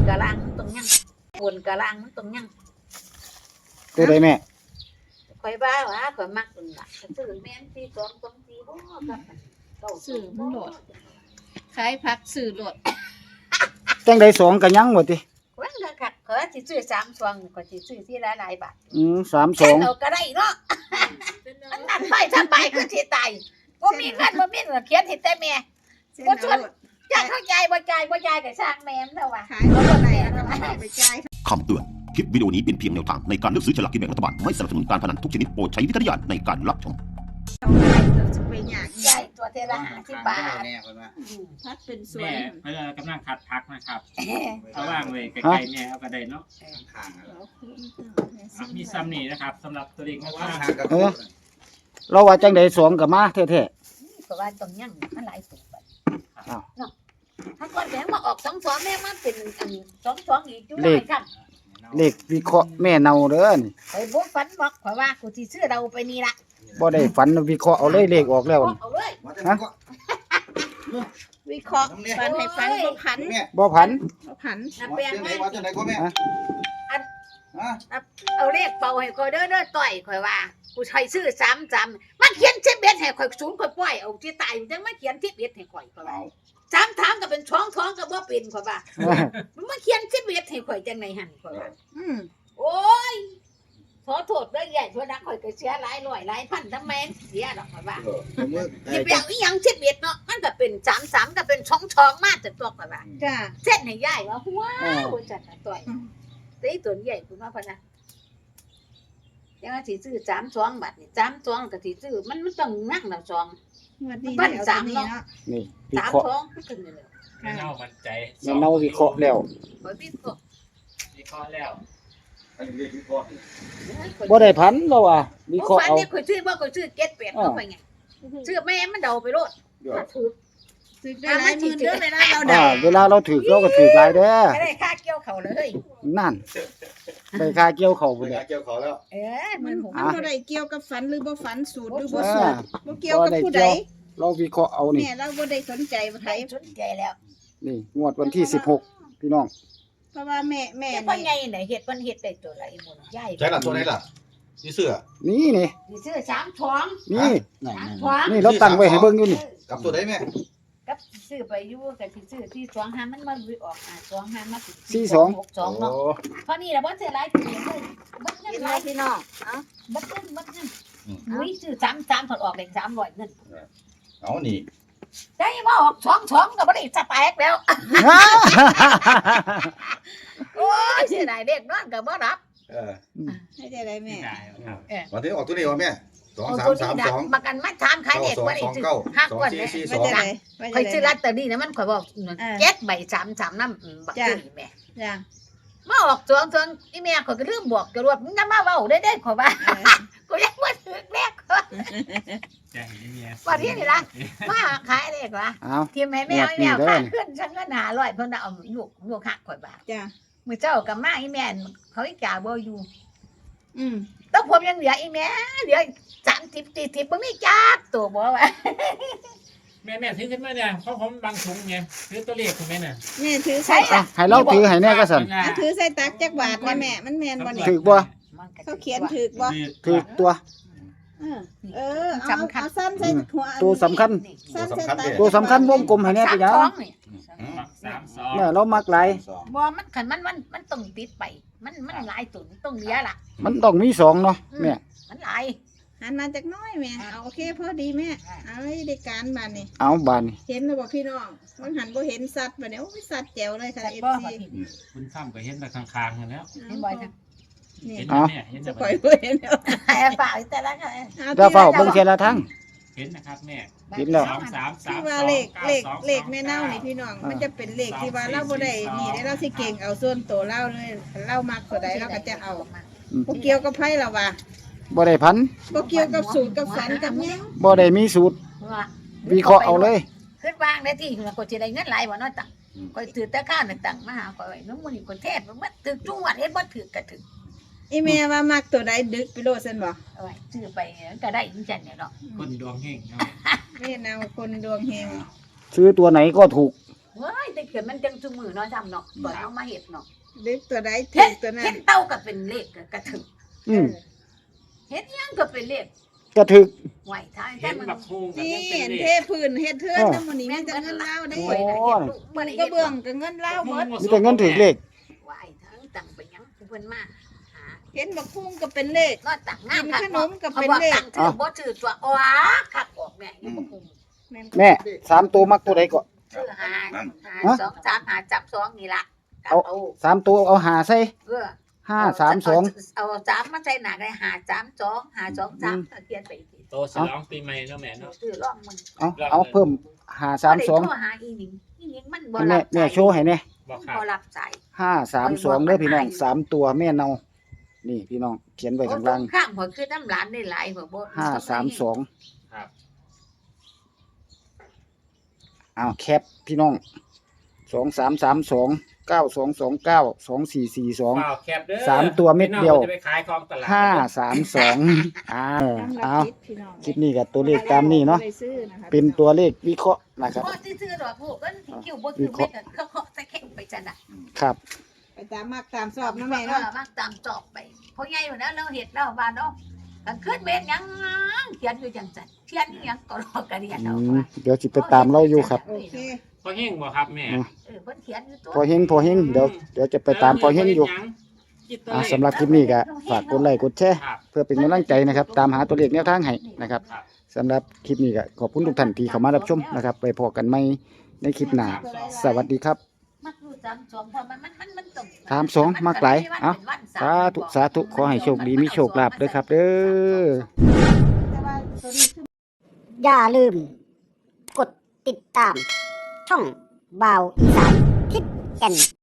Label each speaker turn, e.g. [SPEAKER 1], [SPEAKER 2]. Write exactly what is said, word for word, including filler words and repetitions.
[SPEAKER 1] กะล่างมันตรงยังบนกะล่างมันตรงยัง
[SPEAKER 2] ตัวใดแม่
[SPEAKER 1] ข่อยบ้าว่าข่อยมักอุ่นล่ะซื้อแม่นสี่สองสองสี่บ่ครับเก้าซื้อมันโดดขายผักซื้อโดด
[SPEAKER 2] จังได๋สองก็ยังบ่ติ
[SPEAKER 1] วันก็คักข่อยสิซื้อสามซองก็สิซื้อที่หลายๆบาท
[SPEAKER 2] อืมสามสอง
[SPEAKER 1] เอาก็ได้เนาะมันนั่นไปสบายคือสิตายบ่มีเงินบ่มีเงินเขียนให้แต่แม่บ่ชวนอยากเข้าใจบ่จ่ายบ่จ่ายก็สร้างแม่มันเด้อว่าขายบ่ได้เอาไปจ่าย
[SPEAKER 3] คำเตือนคลิปวิดีโอนี้เป็นเพียงแนวทางในการเลือกซื้อฉลากกินแบ่งรัฐบาลไม่สนับสนุนการพนันทุกชนิดโปรดใช้วิจารณญาณในการรับชม
[SPEAKER 1] ไปหยากใหญ่ตัวเทละห้าสิบบาท
[SPEAKER 4] พัดเป็นส่ว
[SPEAKER 5] แม่
[SPEAKER 4] น
[SPEAKER 5] เพิ่นกำลังคัดพักนะครับเอาว่างไว้ใกล้ๆแม่เอาก็ได้เนาะมีซ้ำนี่นะครับสำหรับตัวเด็กว่า
[SPEAKER 2] เออเราว่าจังได๋สองก็มาแท้
[SPEAKER 1] ๆก็ว่าต้องยังมันหลายตัวบัดอ้าวเนาะถ้าก่อนแม่มาออกสองสองแม่มันเป็นอันสองสองอีกอยู่หลายครับ
[SPEAKER 2] เลขวิเคราะห์แม่เนาเด้อนี่
[SPEAKER 1] ไอ้บ่ฝันบอกข่อยว่ากูสิซื้อเราไปนี่ล่ะ
[SPEAKER 2] บ่ได้ฝันวิเคราะห์เอาเลยเลขออกแล้ว
[SPEAKER 1] เอาเลย
[SPEAKER 2] ฮะ
[SPEAKER 4] วิเคราะห์ฝันให้ฝันบ่ผัน
[SPEAKER 2] บ่ผัน
[SPEAKER 4] บ่ผัน
[SPEAKER 1] น่ะแปลงมา
[SPEAKER 6] ว่าจังได๋ก็แม่
[SPEAKER 1] อันเอาเลขเป่าให้ข่อยเด้อเด้อต่อยข่อยว่ากูใช้ซื้อสามจำมันเขียนสิบเอ็ดให้ข่อยศูนย์ข่อยปล่อยเอาที่ตายจังมาเขียนสิบเอ็ดให้ข่อยข่อยว่าสามถามก็เป็นช่องท้องก็บ่เป็นข่อยว่ามันมาเขียนสิบเอ็ดให้ข่อยจังได๋หั่นข่อยว่า
[SPEAKER 4] อืม
[SPEAKER 1] โอ้ยขอโทษเด้อใหญ่ทั่วนักข่อยก็เสียหลายร้อยหลายพันทำไมเสียดอกข่อยว่าสิไปเอาอีหยังสิบเอ็ดเนาะมันก็เป็นสามสามก็เป็นช่องท้องมาแต่ตัวข่อยว่า
[SPEAKER 4] จ้า
[SPEAKER 1] เส้นให้ใหญ่ว่าว้าวจัดต่อยตีตัวใหญ่คุณว่าพะนะยังสิซื้อสามสองบาทนี่สามสองก็สิซื้อมันมันต้องนั่งแล้วสอง
[SPEAKER 4] มันสามเนาะ
[SPEAKER 2] นี่วิ
[SPEAKER 1] สาม
[SPEAKER 2] เคราะห์
[SPEAKER 1] สองขึ้นเลย
[SPEAKER 5] เน่ามันใจ
[SPEAKER 2] แม่เนาวิเคราะห์แล้ว
[SPEAKER 1] ข่อยวิเคราะห์
[SPEAKER 5] วิเคราะห์แล้ว
[SPEAKER 2] บ่ได้ผันแล้วว่าวิเคราะห์เอา
[SPEAKER 1] ฝันนี่ข่อยซื้อบ่ข่อยซื้อเจ็ดแปดเอาไปไงซื้อแม่มันเดาไปโลดถูก
[SPEAKER 4] ซื้อได้หลายหมื่นเด้อเวลาเรา
[SPEAKER 2] เดาเวลาเราถูกเราก็ถูกหลายเด้อ
[SPEAKER 1] ไม่ได้ค่าเกี่ยวเขาเลย
[SPEAKER 2] นั่นได้ค่าเกี่ยวเขาพุ่น
[SPEAKER 6] แหละเกี่ยวเขาแล้ว
[SPEAKER 1] เอ๊ะมัน
[SPEAKER 4] มันบ่ได้เกี่ยวกับฝันหรือบ่ฝันสูตรหรือบ่สูตรบ่เกี่ยวกับผู้ใด
[SPEAKER 2] เราวิเคราะห์เอานี่
[SPEAKER 4] แม่เราบ่ได้สนใจบ่ไผ
[SPEAKER 1] สนใจแล้ว
[SPEAKER 2] นี่งวดวันที่สิบหกพี่น้อง
[SPEAKER 4] เพราะว่าแม่แม่
[SPEAKER 1] นี่เพิ่นใหญ่น่ะเฮ็ดเพิ่นเฮ็ดได้ตัวไหนบ่ใหญ่
[SPEAKER 6] ใช่ล่ะตัวไหนล่ะนี่เสื้อ
[SPEAKER 2] นี่นี่
[SPEAKER 1] นี่ซื้อสามท้อง
[SPEAKER 2] นี่
[SPEAKER 1] ท้อง
[SPEAKER 2] นี่เราตั้งไว้ให้เบิ่งอยู่นี่
[SPEAKER 6] กับตัวไหนแม่
[SPEAKER 1] กับซื้อไปอยู่กับที่ซื้อที่สองห้ามันมาออกอ่าสองห้ามา
[SPEAKER 2] สี่สอง
[SPEAKER 1] หกสองเนาะเพราะนี่ล่ะบ่ซื้อหลายตัวเลยบ่เงินหลาย
[SPEAKER 4] พี่น้องเอ้า
[SPEAKER 1] บ่เงินบ่เงินอุ้ยซื้อสาม สามถอดออกได้สามร้อยเงิน
[SPEAKER 6] เอานี่
[SPEAKER 1] ได้มาออกสองสองก็บ่ได้สแต็กแล้วโอ้ยเสียดายเด็กนอนก็บ่รับ
[SPEAKER 6] เออ
[SPEAKER 4] ให้ได้ได้แม่
[SPEAKER 6] เออวันที่ออกตัวนี้ว่าแม่สองสามสามสอง
[SPEAKER 1] ประกันมาถามขายเด็กว่าได้ซื้อห้ากว่าเนี่ยข่อยซื้อลอตเตอรี่นะมันข่อยบอกเจ็ดใบสาม สามนำบักตุ้ยแม่
[SPEAKER 4] จ้ะ
[SPEAKER 1] มาออกสองสองอีแม่ข่อยก็ลืมบอกกระรวดมึงนำมาเว้าได้ได้ข่อยว่ากูยังบ่ถึกแม่ข่อย
[SPEAKER 5] จะเห็นเมีย
[SPEAKER 1] ว่าที่นี่ล่ะมาขายเด็กว่าที่แม่แม่แม่ค่าขึ้นฉันก็หาร้อยเพิ่นเอาลูกลูกหักข่อยบาท
[SPEAKER 4] จ้ะ
[SPEAKER 1] มื้อเจ้ากับมาอีแม่เขาอีจ่าบ่อยู่
[SPEAKER 4] อืม
[SPEAKER 1] ต้องผมยังเหลืออีแม่เหลือสามสิบ สี่สิบบ่มีจักตัวบ่ว่า
[SPEAKER 5] แม่แม่ถือขึ้นมาเนี่ยเพราะผมบางถุงไงถือตัวเลขคุณแม่น่ะ
[SPEAKER 4] แม่ถือใส่
[SPEAKER 2] ให้เราถือให้แน่ก็สั่น
[SPEAKER 4] ถือใส่ตักจักบาทแม่มันแม่นบ่นี่
[SPEAKER 2] ถูกบ่
[SPEAKER 4] เขาเขียนถูกบ่
[SPEAKER 2] ถูกตัว
[SPEAKER 4] เออเอาเอาสั้นใส่หัว
[SPEAKER 2] ตัวสำคัญ
[SPEAKER 4] สั้นใส่ตัก
[SPEAKER 2] ตัวสำคัญวงกลมให้แน่ไปยังเนี่ยเรามักหลาย
[SPEAKER 1] บ่มันคันมันมันมันต้องติดไปมันมันหลายตัวต้องเหลือล่ะ
[SPEAKER 2] มันต้องมีสองเนาะแม่
[SPEAKER 1] มันหลาย
[SPEAKER 4] หันมาจากน้อยแม่เอาโอเคพอดีแม่เอาได้การบานนี่
[SPEAKER 2] เอาบานนี่
[SPEAKER 4] เห็นแล้วบ่พี่น้องมันหันบ่เห็นสัตว์บัดนี้โอ้ยสัตว์แจ๋วเลยค่ะ เอฟ ซี
[SPEAKER 5] คุณข้ามก็เห็นแต่ข้างๆกันแล้ว
[SPEAKER 1] เห็นบ่อยจัง
[SPEAKER 5] เห็นแม่เห็นแต่
[SPEAKER 4] บ่อยเห็นแล้ว
[SPEAKER 1] ให้ฝากแต่ละค่ะ
[SPEAKER 2] ถ้าเฝ้าเบิ่งแค่ละทั้ง
[SPEAKER 5] เห็นนะครับแม่
[SPEAKER 2] เห็นแล้ว
[SPEAKER 5] สาม สาม สาม
[SPEAKER 4] ว่าเลขเลขเลขแม่เน่านี่พี่น้องมันจะเป็นเลขที่ว่าเราบ่ได้นี่ได้เราสิเก่งเอาส่วนตัวเราเลยเรามักตัวใดเราก็จะเอาบ่เกี่ยวกับไผล่ะว่า
[SPEAKER 2] บ่ได้พัน
[SPEAKER 4] บ่เกี่ยวกับสูตรกับฝันกับหยัง
[SPEAKER 2] บ่ได้มีสูตรวิเคราะห์เอาเลย
[SPEAKER 1] คิดวางได้ที่ก็สิได้เงินหลายบ่เนาะตังข่อยถือแต่ข้าวน่ะตังมาหาข่อยน้ำมื้อนี้คนแท้มันถึกจุงวัดเฮ็ดบ่ถึกก็ถึก
[SPEAKER 4] อีแม่ว่ามักตัวใดดึกไปโลดซั่นบ่
[SPEAKER 1] เอาไว้ซื้อไปก็ได้จังซั่นเนี่ยเนาะ
[SPEAKER 5] คนดวงเฮงเนาะ
[SPEAKER 4] แม่นาวคนดวงเฮง
[SPEAKER 2] ซื้อตัวไหนก็ถูก
[SPEAKER 1] เว้ยแต่เขียนมันจังซุมือเนาะจำเนาะตอนเอามาเฮ็ดเนาะ
[SPEAKER 4] เด็กตัวใดถู
[SPEAKER 1] เฮ็ด
[SPEAKER 4] กตัวนั้
[SPEAKER 1] เฮ็
[SPEAKER 4] น
[SPEAKER 1] ดเต้าก็เป็นเลขกระถึก
[SPEAKER 7] อืม
[SPEAKER 1] เฮ็ดหยังก็เป็นเลข
[SPEAKER 7] ก็ถึก
[SPEAKER 1] ไหวทาง
[SPEAKER 5] เห็
[SPEAKER 1] แต่
[SPEAKER 5] น
[SPEAKER 1] มัน
[SPEAKER 5] บักฮูงกับ
[SPEAKER 4] นี่
[SPEAKER 5] ยังเป็น
[SPEAKER 4] เห็น
[SPEAKER 5] เล
[SPEAKER 4] เท
[SPEAKER 5] ข
[SPEAKER 4] พื้นเฮ็ดเทือนนำมื้อนี้มีแต่เงินลาวได้
[SPEAKER 1] โอ้
[SPEAKER 4] เว้
[SPEAKER 1] ย
[SPEAKER 4] ย
[SPEAKER 1] นะ
[SPEAKER 7] โอ้
[SPEAKER 1] เฮ็ดลูกบ่ได้
[SPEAKER 4] ก็
[SPEAKER 1] เฮ็ด
[SPEAKER 4] เบื้องก็เงินลาวหมด
[SPEAKER 7] มีแต่เงินถึกเลข
[SPEAKER 1] ไหวทางตังไปหยังเพิ่นมาหา
[SPEAKER 4] เห็นบักคุ้งก็เป็นเลข
[SPEAKER 1] ก็ตังงาม
[SPEAKER 4] กินขนมก็เป็น
[SPEAKER 1] ขา
[SPEAKER 4] เลข
[SPEAKER 1] ตังถือบ่ถือตัวอ๋อคักออกแม่อยู่บ่คุ้ม
[SPEAKER 7] แม่สามตัวมักตัวใดก็
[SPEAKER 1] ซื้อหา
[SPEAKER 7] ฮะ
[SPEAKER 1] หาสองสามหาจับสองนี่ล่ะกลับ
[SPEAKER 7] เอา
[SPEAKER 1] เอา
[SPEAKER 7] สามตัวเอาหาใส่
[SPEAKER 1] เออ
[SPEAKER 7] ห้าสามสอง
[SPEAKER 1] เอาสามมาใส่หนักเลยหาสามสองหาสองสามเขียนไปอีกที
[SPEAKER 5] โตฉลองปีใหม่เนาะแม่เนาะ
[SPEAKER 1] ซื้อลองมึง
[SPEAKER 7] เอาเอาเพิ่มหาสามสอง
[SPEAKER 1] บ่ได้โทรหาอีหนิงอีหนิงมันบ่
[SPEAKER 7] แม่
[SPEAKER 1] รับ
[SPEAKER 7] แม่โชว์ให้แน่
[SPEAKER 5] บอกครับ
[SPEAKER 1] บ่รับสาย
[SPEAKER 7] ห้าสามสองเด้อพี่น้องสามตัวแม่เนานี่พี่น้องเขียนไว้ข้างล่าง
[SPEAKER 1] ข้างหัวคือน้ำหลานได้หลายหัวบ่
[SPEAKER 7] ห้าสามสอง
[SPEAKER 5] ครับ
[SPEAKER 7] เอาแคปพี่น้องสองสามสามสองเก้าสองสองเก้าสองสี่สี่สอง
[SPEAKER 5] เปล่าแคบเด้อ
[SPEAKER 7] สามตัวเม็ดเดียว
[SPEAKER 5] พี่น้องจะไปขายของตลาด
[SPEAKER 7] ห้าสามสองอ้าว
[SPEAKER 4] น้ำ
[SPEAKER 7] เอา
[SPEAKER 4] ละคิดพี่น้อง
[SPEAKER 7] คลิปนี้กับตัวเลขตามนี้เนาะ
[SPEAKER 4] ได้ซื้อนะคะ
[SPEAKER 7] เป็นตัวเลขวิเคราะห์นะครับ
[SPEAKER 1] บ่ซื้อๆดอกพวกกันคิวบ่คือแม่ก็เขาเขาใส่แข็งไปจังน่ะ
[SPEAKER 7] ครับ
[SPEAKER 4] ไปตามมักตามสอบนะแม่เนาะ
[SPEAKER 1] มักตามจอบไปเพราะใหญ่กว่านั้นเราเฮ็ดแล้วบ้านเนาะกันขึ้นเม็ดหยังเขียนอยู่จังซั่นเขียนอีหยังก็รอกระเรียน
[SPEAKER 7] อื
[SPEAKER 1] เอา
[SPEAKER 7] ม
[SPEAKER 1] ไว้
[SPEAKER 7] เดี๋ยวสิไปตามเราอยู่ครับ
[SPEAKER 4] โอเค
[SPEAKER 5] พอเฮงบ่ครับแม่
[SPEAKER 1] เออเพิ่นเขียนอยู่ตัว
[SPEAKER 7] พอเฮงพอเฮงเดี๋ยวเดี๋ยวจะไปตามพอเฮงอยู่อ่าสำหรับคลิปนี้ก็ฝากกดไลค์กดแชร์
[SPEAKER 5] ครับ
[SPEAKER 7] เพื่อเป็นกำลังใจนะครับ ตามหาตัวเลขแนวทางให้นะครับ
[SPEAKER 5] ครับ
[SPEAKER 7] สำหรับคลิปนี้ก็ขอบคุณทุกท่านที่เข้ามารับชมนะครับ ไปพอกันใหม่ในคลิปหน้าสวัสดีครับ
[SPEAKER 1] มักอยู่สามสองเพราะมันมันมันมันตรง
[SPEAKER 7] สามสองมักหลายเอ้า สาธุสาธุขอให้โชคดีมีโชคลาภด้วยครับเด้อ
[SPEAKER 4] แต่ว่าตัวนี้คือ
[SPEAKER 8] อย่าลืม กดติดตาม ช่องบาวอีสานทิศแก่น